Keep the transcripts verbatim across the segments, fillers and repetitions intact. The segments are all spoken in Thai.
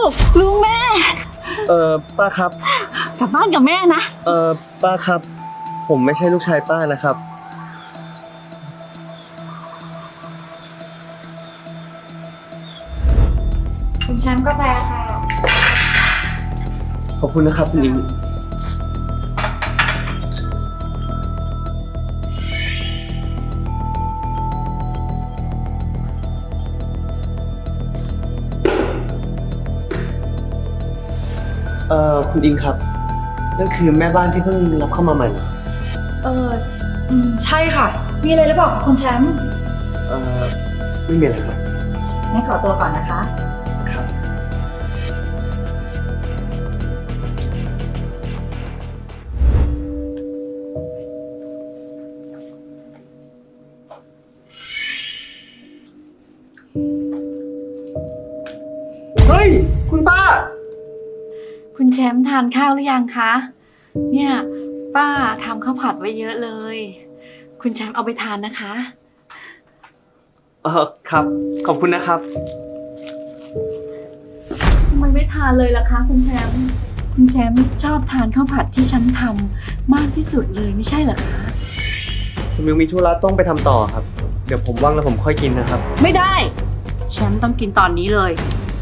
กลูกแม่เออป้าครับกลับบ้านกับแม่นะเออป้าครับ ผมไม่ใช่ลูกชายป้านะครับคุณแชมป์กาแฟค่ะขอบคุณนะครับคุณอิงเอ่อคุณอิงครับ นั่นคือแม่บ้านที่เพิ่งรับเข้ามาใหม่เหรอเอออืมใช่ค่ะ มีอะไรหรือเปล่าคุณแชมป์เอ่อไม่มีอะไรครับงั้นขอตัวก่อนนะคะครับ เฮ้ย คุณป้าคุณแชมป์ทานข้าวหรือยังคะ เนี่ยป้าทำข้าวผัดไว้เยอะเลย คุณแชมป์เอาไปทานนะคะเออครับ ขอบคุณนะครับทำไมไม่ทานเลยล่ะคะคุณแชมป์ คุณแชมป์ชอบทานข้าวผัดที่ฉันทำมากที่สุดเลยไม่ใช่เหรอคะผมยังมีธุระต้องไปทำต่อครับ เดี๋ยวผมว่างแล้วผมค่อยกินนะครับไม่ได้ แชมป์ต้องกินตอนนี้เลย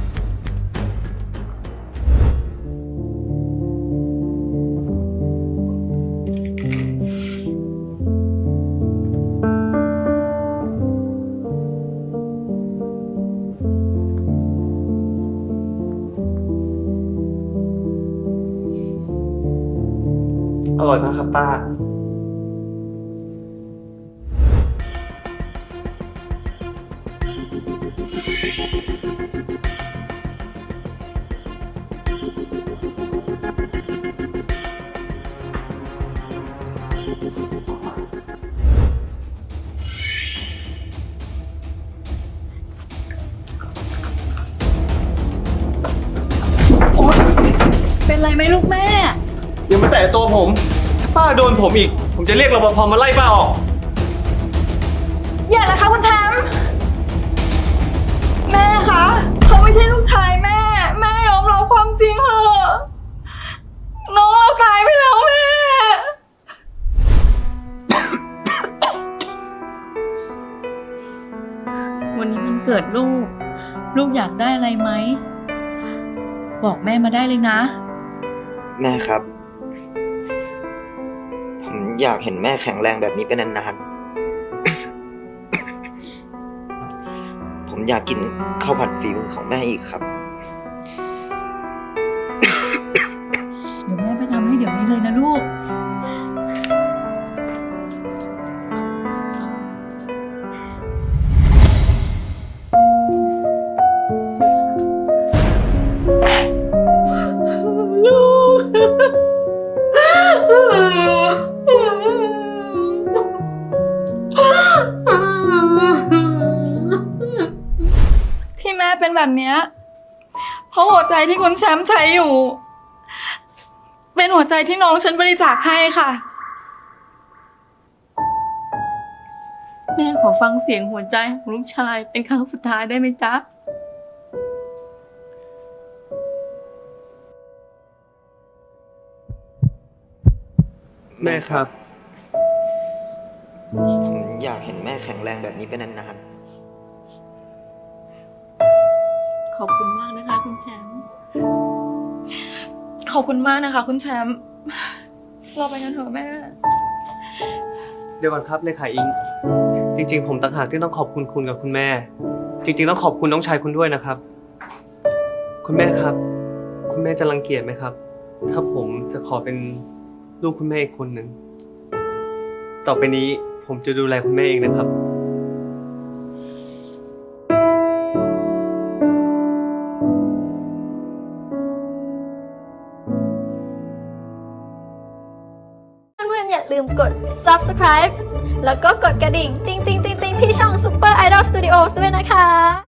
อร่อยมากครับป้าเป็นไรไหมลูกแม่อย่ามาแตะตัวผม ถ้าป้าโดนผมอีก ผมจะเรียกรปภมาไล่ป้าออกอย่านะคะคุณแชมป์แม่คะเขาไม่ใช่ลูกชายแม่ แม่ยอมรับความจริงเถอะน้องเราตายไปแล้วแม่วันนี้มันเกิดลูก ลูกอยากได้อะไรไหม บอกแม่มาได้เลยนะแม่ครับ ผมอยากเห็นแม่แข็งแรงแบบนี้เป็นนานๆ ผมอยากกินข้าวผัดฝีมือของแม่อีกครับเดี๋ยวแม่ไปทำให้เดี๋ยวนี้เลยนะลูกลูก ที่แม่เป็นแบบเนี้ยเพราะหัวใจที่คุณแชมป์ใช้อยู่ เป็นหัวใจที่น้องฉันบริจาคให้ค่ะแม่ขอฟังเสียงหัวใจของลูกชายเป็นครั้งสุดท้ายได้ไหมจ๊ะแม่ครับผมอยากเห็นแม่แข็งแรงแบบนี้เป็นนานขอบคุณมากนะคะคุณแชมป์ขอบคุณมากนะคะคุณแชมป์เราไปกันเถอะแม่เดี๋ยวก่อนครับเลขาอิง จริงๆ ผมต่างหากที่ต้องขอบคุณคุณกับคุณแม่ จริงๆ ต้องขอบคุณน้องชายคุณด้วยนะครับ คุณแม่ครับ คุณแม่จะรังเกียจไหมครับ ถ้าผมจะขอเป็นลูกคุณแม่อีกคนหนึ่ง ต่อไปนี้ผมจะดูแลคุณแม่เองนะครับเพื่อนๆอย่าลืมกด ซับสไครบ์ แล้วก็กดกระดิ่ง ติ๊งติ๊งติ๊งติ๊งที่ช่อง Super Idol Studios ด้วยนะคะ